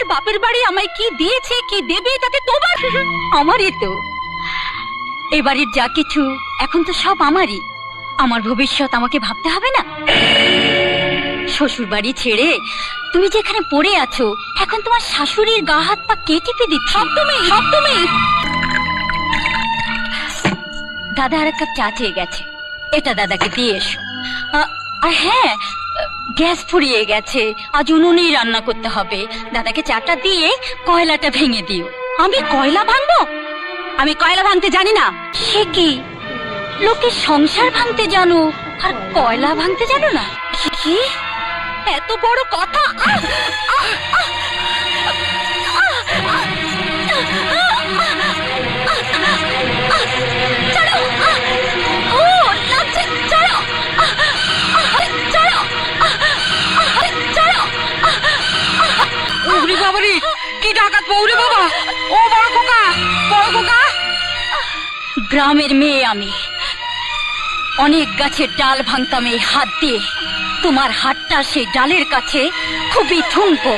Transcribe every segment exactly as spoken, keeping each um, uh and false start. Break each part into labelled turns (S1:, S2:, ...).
S1: আমার বাপের বাড়ি আমায় কি দিয়েছে কি দেবে তাতে তোমার আমারই তো। এ বাড়ির যা কিছু এখন তো সব আমারই। আমার ভবিষ্যৎ আমাকে ভাবতে হবে না? শ্বশুর বাড়ি ছেড়ে তুমি যেখানে পড়ে আছো, এখন তোমার শাশুড়ির গা হাত পা কে টিপে দিচ্ছে? সব তুমি, সব তুমি। দাদা আর এক কাপ চা চেয়ে গেছে, এটা দাদাকে দিয়ে এসো। আর হ্যাঁ, গ্যাস ফুরিয়ে গেছে, আজ উনুনেই রান্না করতে হবে। দাদাকে চাটা দিয়ে কয়লাটা ভেঙে দিও। আমি কয়লা ভাঙবো? আমি কয়লা ভাঙতে জানি না। সে কি, লোকের সংসার ভাঙতে জানো আর কয়লা ভাঙতে জানো না? কি এত বড় কথা!
S2: কি ডাকাত বউরে বাবা! ও বড় খোকা, বড় খোকা!
S1: গ্রামের মেয়ে আমি, অনেক গাছের ডাল ভাঙতাম এই হাত দিয়ে। তোমার হাতটা সেই ডালের কাছে খুবই ঠুনকো।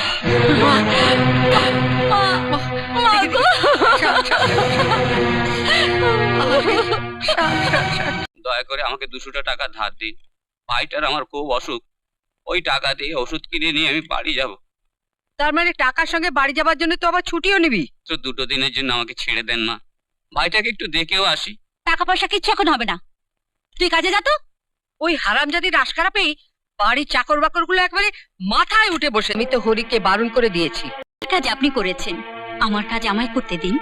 S3: দয়া করে আমাকে দুশোটা টাকা ধার দিন। ভাইটার আমার খুব অসুখ, ওই টাকা দিয়ে ওষুধ কিনে নিয়ে আমি বাড়ি যাব।
S2: তার মানে টাকার সঙ্গে বাড়ি যাবার জন্য তো আবার ছুটিও নিবি?
S3: তো দুটো দিনের জন্য আমাকে ছেড়ে দেন না, ভাইটাকে একটু দেখেও আসি।
S1: টাকা পয়সা কিচ্ছু এখন হবে না, তুই কাজে যা তো।
S2: ওই হারামজাদির আশকারা পেয়ে বাড়ির চাকর বাকর গুলো একবারে মাথায় উঠে বসে। আমি তো হরিকে বারণ করে দিয়েছি।
S1: কাজ আপনি করেছেন, আমার কাজ আমায় করতে দিন।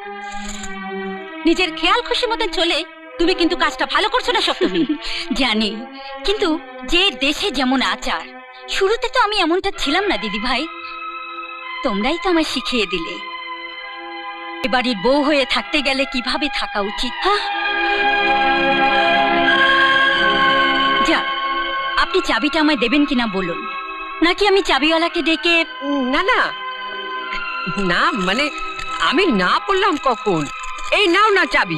S1: নিজের খেয়াল খুশি মতন চলে তুমি কিন্তু কাজটা ভালো করছো না সপ্তমী। জানি, কিন্তু যে দেশে যেমন আচার, শুরুতে তো আমি এমনটা ছিলাম না দিদি ভাই। তোমরাই তো আমায় শিখিয়ে দিলে এ বাড়ির বউ হয়ে থাকতে গেলে কিভাবে থাকা উচিত। যা, আপনি চাবিটা আমায় দেবেন কিনা বলুন, নাকি আমি চাবিওয়ালাকে ডেকে?
S2: না না না, মানে আমি না বললাম কখন। এই নাও না চাবি।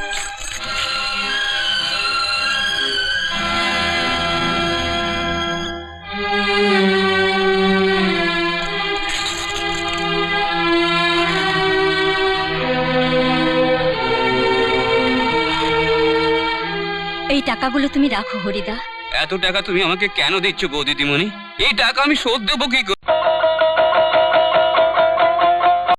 S1: এই টাকাগুলো তুমি রাখো হরিদা।
S3: এত টাকা তুমি আমাকে কেন দিচ্ছ গো দিদিমণি? এই টাকা আমি শোধ দেবো কি করে?